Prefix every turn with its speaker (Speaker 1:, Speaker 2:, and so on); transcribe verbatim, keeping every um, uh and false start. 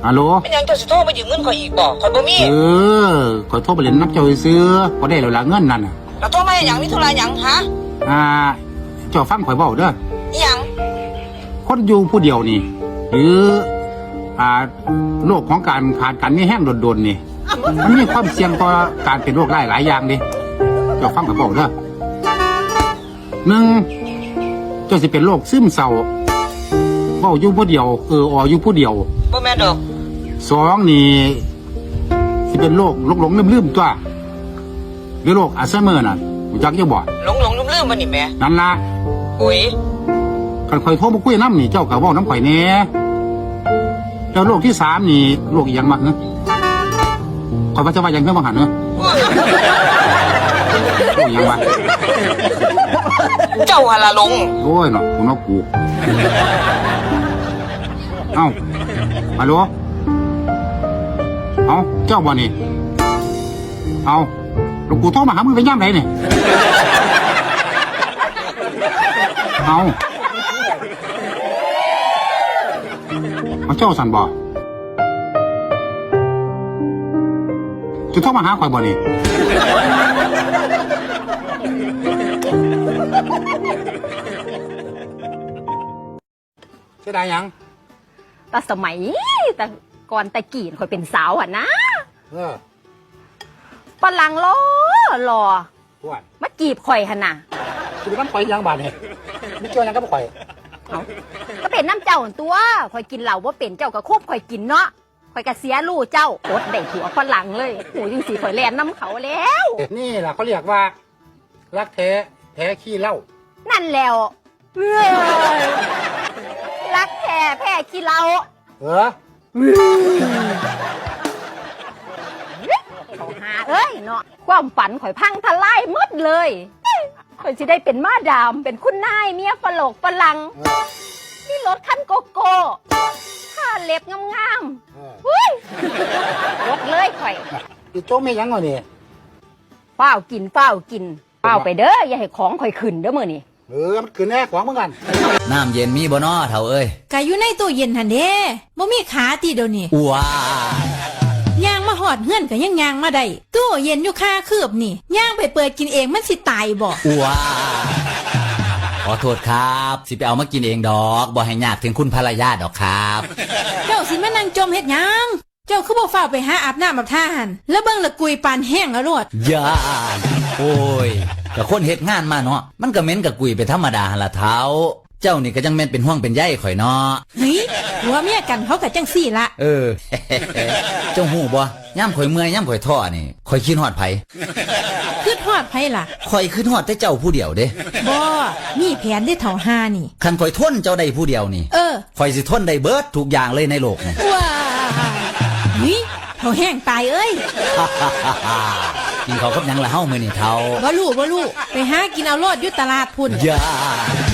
Speaker 1: ฮัลโหล
Speaker 2: เป็นยังจะสิโทรมายืมเงินข่อยอีกบ่ข่อยบ่มี
Speaker 1: เออข่อยโทรไปเล่นนับเจ้าซื้อบ่ได้แล้วล่ะเงินนั่นน่ะ
Speaker 2: แล้วโทรมาหยังมีธุระหยังฮะ
Speaker 1: อ่าเจ้าฟังข่อยเว้าเด้อ
Speaker 2: อีหยัง
Speaker 1: คนอยู่ผู้เดียวนี่หรืออ่าโรคของการขาดกันนี่แห้งโดนๆนี่มันมีความเสี่ยงต่อการเป็นโรคหลายหลายอย่างดิเจ้าฟังข่อยเว้าเด้อหนึ่งเจ้าสิเป็นโรคซึมเศร้าเว้าอยู่ผู้เดียวเออออยู่ผู้เดียว
Speaker 2: บ่แม่นดอก
Speaker 1: สองนี่สิเป็นโรคหลงหลงลืมลืมตัวหรือโรคอัลไซเมอร์น่ะรู้จักยังบ่
Speaker 2: หลงหลงลืมลืมมันนี่แม่
Speaker 1: นั่นล่ะ
Speaker 2: อุ้ย
Speaker 1: คันข่อยโทรมาคุยน้ำนี่เจ้าก็เว้าน้ำข่อยแหน่แล้วโรคที่สามนี่โรคอีหยังมาเนอะข่อยว่าจะว่าอย่างเพิ่มมาหันเนอะโรคอีหยังมา
Speaker 2: เจ้าหะละหลง
Speaker 1: โอ้ยเนาะกูเนาะกูเอ้าฮัลโหลเอาเจ้าบ่นี่เอาหลวงปู่โทรมาหามึงไปย่ำไหนนี่เอาเอาเจ้าสันบ่จะโทรมาหาข่อยบ่นี่เสียดายยัง
Speaker 3: แต่สมัยแต่ก่อนแต่กี่ข่อยเป็นสาวอ่ะนะ
Speaker 1: เออ
Speaker 3: ฝรั่งรอรอมาจีบข่อยหันน่ะ
Speaker 1: คือมันข่อยยังบาดเนี่ยไม่เกี่ยวยังกับข่อย
Speaker 3: เอาก็เป็นน้ำเจ้าตัวข่อยกินเหล้าว่าเป็นเจ้าก็ควบข่อยกินเนาะข่อยก็เสียลู่เจ้าอดได้ผัวฝรั่งเลยโหยังสีข่อยแลนน้ำเขาแล้ว
Speaker 1: นี่แหละเขาเรียกว่ารักแท้แท้ขี้เหล้า
Speaker 3: นั่นแล้วรักแท้แพ้ขี้เหล้า
Speaker 1: เออ
Speaker 3: เขาหาเอ้ยเนาะความฝันข่อยพังทลายหมดเลยข่อยจะได้เป็นมาดามเป็นคุณนายเมียฝรั่งฝรั่งนี่รถคันโกโก้ผ้าเล็บงามๆเฮ้ยรถเลยข่อย
Speaker 1: อีโจ้ไม่ยังวะนี่
Speaker 3: เฝ้ากินเฝ้ากินเฝ้าไปเด้ออย่าให้ของข่อยขึ้นเด้อมื้อนี้
Speaker 1: เออมันขึ้นแน่ของเหมือนกัน
Speaker 4: น้ำเย็นมีบ่น้อเฒ่าเอ้ย
Speaker 5: ก็อยู่ในตู้เย็นหั่นเด้บ่มีขาติเดี๋ยวนี้
Speaker 4: ว้า
Speaker 5: ย่างมาหอดเฮือนก็ยังย่างมาได้ตู้เย็นอยู่คาคืบนี่ย่างไปเปิดกินเองมันสิตายบ่
Speaker 4: ว้าขอโทษครับสิไปเอามากินเองดอกบ่ให้ยากถึงคุณภรรยาดอกครับ
Speaker 5: เจ้าสิมานั่งจมเฮ็ดหยังเจ้าคือบ่ฟ้าวไปหาอาบน้ำอาบท่าหั่นแล้วเบิ่งละกุยปานแห้งแล้วโลด
Speaker 4: ย่าโอ้ยก็คนเฮ็ดงานมาเนาะมันก็เหม็นกับกุยไปธรรมดาหั่นล่ะเฒ่าเจ้านี่ก็จังแม่นเป็นห่วงเป็นใยข่อยเนาะ
Speaker 5: เฮ้ยหัวเมียกันเขาก็จังซี่ละ
Speaker 4: เออเจ้าฮู้บ่ย่ำข่อยเมื่อยย่ำข่อยท้อนี่ข่อยคิดฮอดไผ
Speaker 5: คิดฮอดไผล่ะ
Speaker 4: ข่อยคิดฮอดแต่เจ้าผู้เดียวเด้
Speaker 5: บ่มีแผนได้เฒ่าห้านี่
Speaker 4: คันข่อยทนเจ้าได้ผู้เดียวนี่
Speaker 5: เออ
Speaker 4: ข่อยสิทนได้เบิดทุกอย่างเลยในโลกนี่
Speaker 5: ว้านี่เฒ่าแห้งตายเอ้ย
Speaker 4: กินข้าวกับหยังละเฮามื้อนี้เฒ่า
Speaker 5: บ่รู้บ่รู้ไปหากินเอาโลดอยู่ตลาดพุ่น
Speaker 4: ย่า